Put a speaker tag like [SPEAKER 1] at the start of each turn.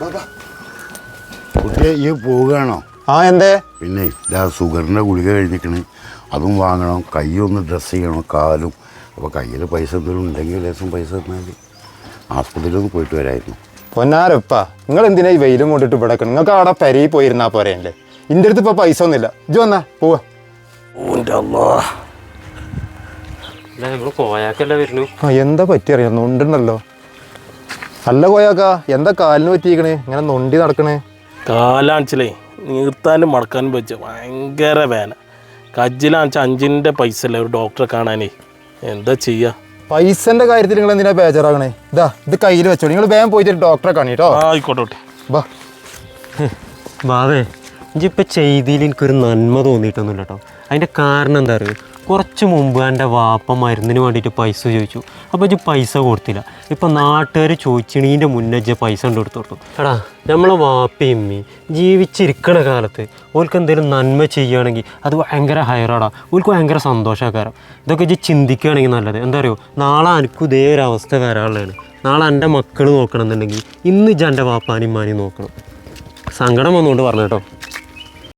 [SPEAKER 1] കുട്ടിയെ ഈ പോവുകയാണോ?
[SPEAKER 2] ആ എന്തേ?
[SPEAKER 1] പിന്നെ ഇതാ ഷുഗറിൻ്റെ ഗുളിക കഴിഞ്ഞിരിക്കണേ, അതും വാങ്ങണം. കൈയൊന്ന് ഡ്രസ്സ് ചെയ്യണം, കാലും. അപ്പോൾ കയ്യിൽ പൈസ എന്തെങ്കിലും ഉണ്ടെങ്കിൽ ലേശം പൈസ തന്നാൽ ആസ്പത്രിയിലൊന്ന് പോയിട്ട് വരായിരുന്നു.
[SPEAKER 2] പൊന്നാരപ്പ, നിങ്ങൾ എന്തിനാ ഈ വെയിലും കൊണ്ടിട്ട് ഇവിടെ നിങ്ങൾക്ക് അവിടെ പെരയിൽ പോയിരുന്നാ പോരല്ലേ? എൻ്റെ അടുത്ത് ഇപ്പോൾ പൈസ ഒന്നുമില്ല. ഇജ്ജ് വന്നാ പോവാ. എന്താ പറ്റിയറിയാം, നൊണ്ടുണ്ടല്ലോ. അല്ല കോയാക്ക, എന്താ കാലിന് പറ്റിയിരിക്കണേ? ഇങ്ങനെ നൊണ്ടി നടക്കണേ?
[SPEAKER 3] കാലാണിച്ചലേ നീർത്താനും മടക്കാനും വെച്ച് ഭയങ്കര വേന. കജ്ജിലാണിച്ച 5 പൈസ അല്ലേ ഒരു ഡോക്ടറെ കാണാനേ. എന്താ ചെയ്യുക?
[SPEAKER 2] പൈസന്റെ കാര്യത്തിൽ നിങ്ങൾ എന്തിനാ ബേജാറാകണേ? ഇതാ ഇത് കയ്യിൽ വെച്ചോ. നിങ്ങൾ വേഗം പോയിട്ട് ഡോക്ടറെ കാണിട്ടോ.
[SPEAKER 3] ആയിക്കോട്ടെ.
[SPEAKER 2] ബാ
[SPEAKER 4] ബാവേ, ഇപ്പം ചെയ്തിയിൽ എനിക്കൊരു നന്മ തോന്നിയിട്ടൊന്നുമില്ല കേട്ടോ. അതിൻ്റെ കാരണം എന്താ പറയുക, കുറച്ച് മുമ്പ് എൻ്റെ വാപ്പ മരുന്നിന് വേണ്ടിയിട്ട് പൈസ ചോദിച്ചു. അപ്പോൾ ഇജ്ജ് പൈസ കൊടുത്തില്ല. ഇപ്പം നാട്ടുകാർ ചോദിച്ചിണീൻ്റെ മുന്നേ ഇജ്ജ് പൈസ കൊണ്ട് കൊടുത്തു. എടാ, നമ്മളെ വാപ്പയും ഉമ്മയും ജീവിച്ചിരിക്കണ കാലത്ത് ഓൾക്ക് എന്തെങ്കിലും നന്മ ചെയ്യുകയാണെങ്കിൽ അത് ഭയങ്കര ഹയറാടാ. ഓൾക്ക് ഭയങ്കര സന്തോഷക്കാരം. ഇതൊക്കെ ഇജ്ജ് ചിന്തിക്കുകയാണെങ്കിൽ നല്ലത്. എന്താ പറയുക, നാളെ എനിക്കും ഇതേ ഒരു അവസ്ഥ വരാനുള്ളതാണ്. നാളെ എൻ്റെ മക്കൾ നോക്കണം എന്നുണ്ടെങ്കിൽ ഇന്ന് ഇജ്ജ് എൻ്റെ വാപ്പാനും ഉമ്മാനെയും നോക്കണം. സങ്കടം വന്നുകൊണ്ട് പറഞ്ഞു കേട്ടോ.